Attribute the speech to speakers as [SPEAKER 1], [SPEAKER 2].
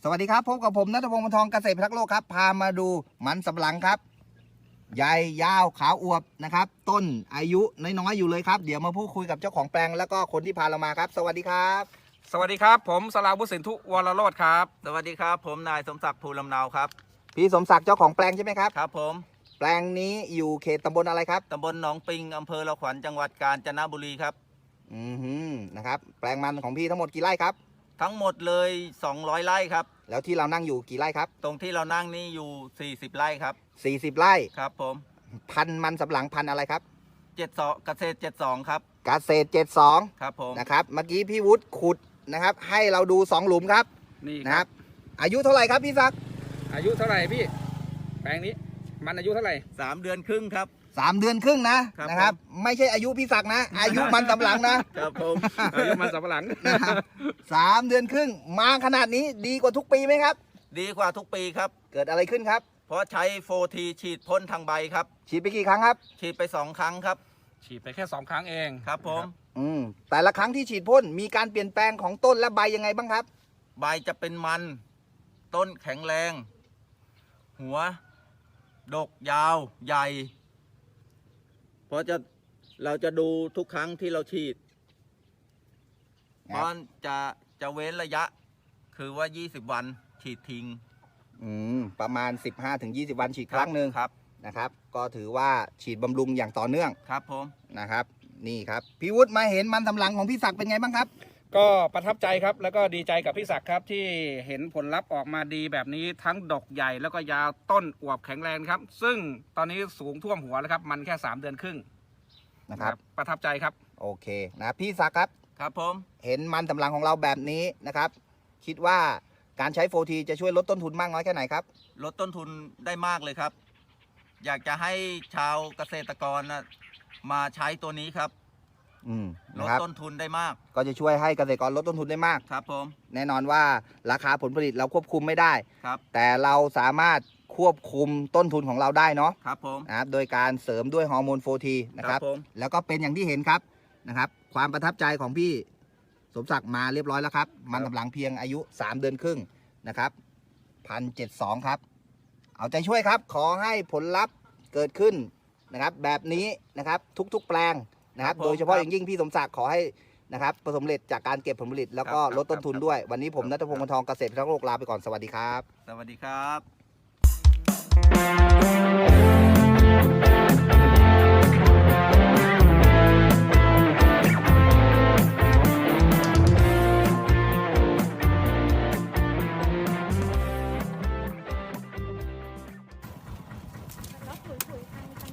[SPEAKER 1] สวัสดีครับพบกับผมณัฐพงศ์ วรรณทองเกษตรพิทักษ์โลกครับพามาดูมันสำปะหลังครับใหญ่ยาวขาวอวบนะครับต้นอายุน้อยๆอยู่เลยครับเดี๋ยวมาพูดคุยกับเจ้าของแปลงแล้วก็คนที่พาเรามาครับสวัสดีครับ
[SPEAKER 2] สวัสดีครับผมสราวุฒิสินธุวรโรจน์ครับ
[SPEAKER 3] สวัสดีครับผมนายสมศักดิ์ภูลำเนาครับ
[SPEAKER 1] พี่สมศักดิ์เจ้าของแปลงใช่ไหมครับ
[SPEAKER 3] ครับผม
[SPEAKER 1] แปลงนี้อยู่เขตตำบลอะไรครับ
[SPEAKER 3] ตำบลหนองปิงอำเภอละขวัญจังหวัดกาญจนบุรีครับ
[SPEAKER 1] นะครับแปลงมันของพี่ทั้งหมดกี่ไร่ครับ
[SPEAKER 3] ทั้งหมดเลย200 ไร่ครับ
[SPEAKER 1] แล้วที่เรานั่งอยู่กี่ไร่ครับ
[SPEAKER 3] ตรงที่เรานั่งนี่อยู่40 ไร่ครับ
[SPEAKER 1] 40 ไร่
[SPEAKER 3] ครับผม
[SPEAKER 1] พันธุ์มันสำปะหลังพันธุ์อะไรครับ
[SPEAKER 3] 72เกษตร72ครับ
[SPEAKER 1] เกษตร72
[SPEAKER 3] ครับผม
[SPEAKER 1] นะครับเมื่อกี้พี่วุฒิขุดนะครับให้เราดู2หลุมครับ
[SPEAKER 2] นี่
[SPEAKER 1] นะ
[SPEAKER 2] ค
[SPEAKER 1] ค
[SPEAKER 2] รั
[SPEAKER 1] รับ บอายุเท่าไหร่ครับพี่ศักดิ์
[SPEAKER 2] อายุเท่าไหร่พี่แปลงนี้มันอายุเท่าไหร่
[SPEAKER 3] 3 เดือนครึ่งครับ
[SPEAKER 1] 3 เดือนครึ่งนะครับไม่ใช่อายุพี่ศักดิ์นะ อายุมันสำปะหลังนะครับ
[SPEAKER 3] ผม
[SPEAKER 2] อายุมันสับปะหลัง
[SPEAKER 1] นะครับ3 เดือนครึ่งมาขนาดนี้ดีกว่าทุกปีไหมครับ
[SPEAKER 3] ดีกว่าทุกปีครับ
[SPEAKER 1] เกิดอะไรขึ้นครับ
[SPEAKER 3] เพราะใช้โฟทีฉีดพ่นทางใบครับ
[SPEAKER 1] ฉีดไปกี่ครั้งครับ
[SPEAKER 3] ฉีดไป2 ครั้งครับ
[SPEAKER 2] ฉีดไปแค่2 ครั้งเอง
[SPEAKER 3] ครับผม
[SPEAKER 1] แต่ละครั้งที่ฉีดพ่นมีการเปลี่ยนแปลงของต้นและใบยังไงบ้างครับ
[SPEAKER 3] ใบจะเป็นมันต้นแข็งแรง หัว ดกยาวใหญ่ เพราะเราจะดูทุกครั้งที่เราฉีด
[SPEAKER 1] ครับ
[SPEAKER 3] เพราะจะเว้นระยะ คือว่า 20 วันฉีดทิ้ง
[SPEAKER 1] ประมาณ 15-20 วันฉีดครั้งหนึ่ง
[SPEAKER 3] ครับ
[SPEAKER 1] นะครับก็ถือว่าฉีดบำรุงอย่างต่อเนื่อง
[SPEAKER 3] ครับผม
[SPEAKER 1] นะครับนี่ครับพี่วุฒิมาเห็นมันสำปะหลังของพี่ศักดิ์เป็นไงบ้างครับ
[SPEAKER 2] ก็ประทับใจครับแล้วก็ดีใจกับพี่ศักดิ์ครับที่เห็นผลลัพธ์ออกมาดีแบบนี้ทั้งดอกใหญ่แล้วก็ยาวต้นอวบแข็งแรงครับซึ่งตอนนี้สูงท่วมหัวแล้วครับมันแค่3 เดือนครึ่ง
[SPEAKER 1] นะครับ
[SPEAKER 2] ประทับใจครับ
[SPEAKER 1] โอเคนะพี่ศักดิ์ครับ
[SPEAKER 3] ครับผม
[SPEAKER 1] เห็นมันสำปะหลังของเราแบบนี้นะครับคิดว่าการใช้โฟทีจะช่วยลดต้นทุนมากน้อยแค่ไหนครับ
[SPEAKER 3] ลดต้นทุนได้มากเลยครับ อยากจะให้ชาวเกษตรกรมาใช้ตัวนี้ครับ ล
[SPEAKER 1] นะ
[SPEAKER 3] ด
[SPEAKER 1] ครับ
[SPEAKER 3] ต้นทุนได้มาก
[SPEAKER 1] ก็จะช่วยให้เกษตรกรลดต้นทุนได้มาก
[SPEAKER 3] ครับผม
[SPEAKER 1] แน่นอนว่าราคาผลผลิตเราควบคุมไม่ได้
[SPEAKER 3] ครับ
[SPEAKER 1] แต่เราสามารถควบคุมต้นทุนของเราได้เนาะ
[SPEAKER 3] ครับผม
[SPEAKER 1] นะครับโดยการเสริมด้วยฮอร์โมนโฟทีนะครับ
[SPEAKER 3] ผม
[SPEAKER 1] แล้วก็เป็นอย่างที่เห็นครับนะครับ ความประทับใจของพี่สมศักดิ์มาเรียบร้อยแล้วครับ มันสำปะหลังเพียงอายุ 3 เดือนครึ่งนะครับ1,072ครับ เอาใจช่วยครับ ขอให้ผลลัพธ์เกิดขึ้นนะครับ แบบนี้นะครับทุกๆแปลงนะครับ โดยเฉพาะอย่างยิ่งพี่สมศักดิ์ขอให้นะครับประสบความสำเร็จจากการเก็บผลผลิต แล้วก็ลดต้นทุนด้วย วันนี้ผมณัฐพงศ์ วรรณทองเกษตรพิทักษ์โลกลาไปก่อนสวัสดีครับ
[SPEAKER 3] สวัสดีครับ
[SPEAKER 4] แล้วปุ๋ยทางใจ